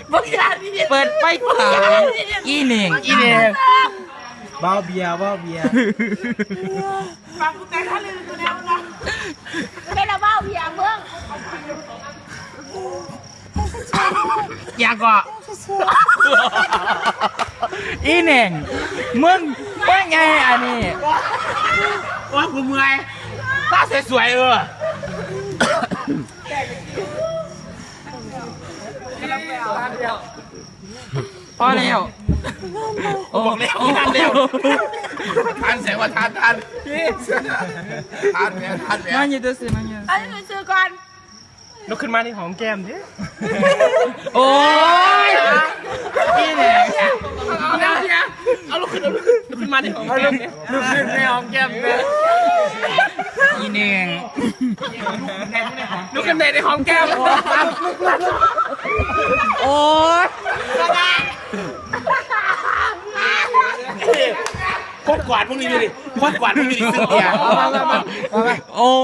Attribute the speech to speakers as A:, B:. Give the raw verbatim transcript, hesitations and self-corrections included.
A: เปิดไฟขาวอีหนึ่งอีหนึ่ง
B: บ้าเบียร์บ้าเบียร์
C: ฟังกูแต่ท่าลืมกูแล้วนะเป็นระเบ้าเบียร์เบิ้ง
A: อยากก็อีหนึ่งมึงว่าไงอันนี้
B: ว่ากูเมื่อยตาสวยๆเออ
A: พอแล้วโอ้
B: บอกแล้วทานเร็วทานเสียงว่าทานทานทานแม่ทานแม่
A: มันอยู่ตัวสิมันอยู่
C: อันนี้ซื้อก่อน
B: ลุกขึ้นมาที่หอมแก้มดิ
A: โอ้ยอีหนึ่ง
B: เอาแล้วเนี่ยเอาลุกขึ้นเอาลุกขึ้นลุกขึ้นมาที่หอมแก้มดิลุกขึ้นในหอมแก้มเลย
A: อีหนึ่ง
B: ลุกขึ้นในในหอมแก้ม
A: โอ้ย
B: โคตรกวาดพวกนี้ดูดิโคตรกวาดพวกนี้ดิซึ่งเกียร์มามามามา
A: โอ้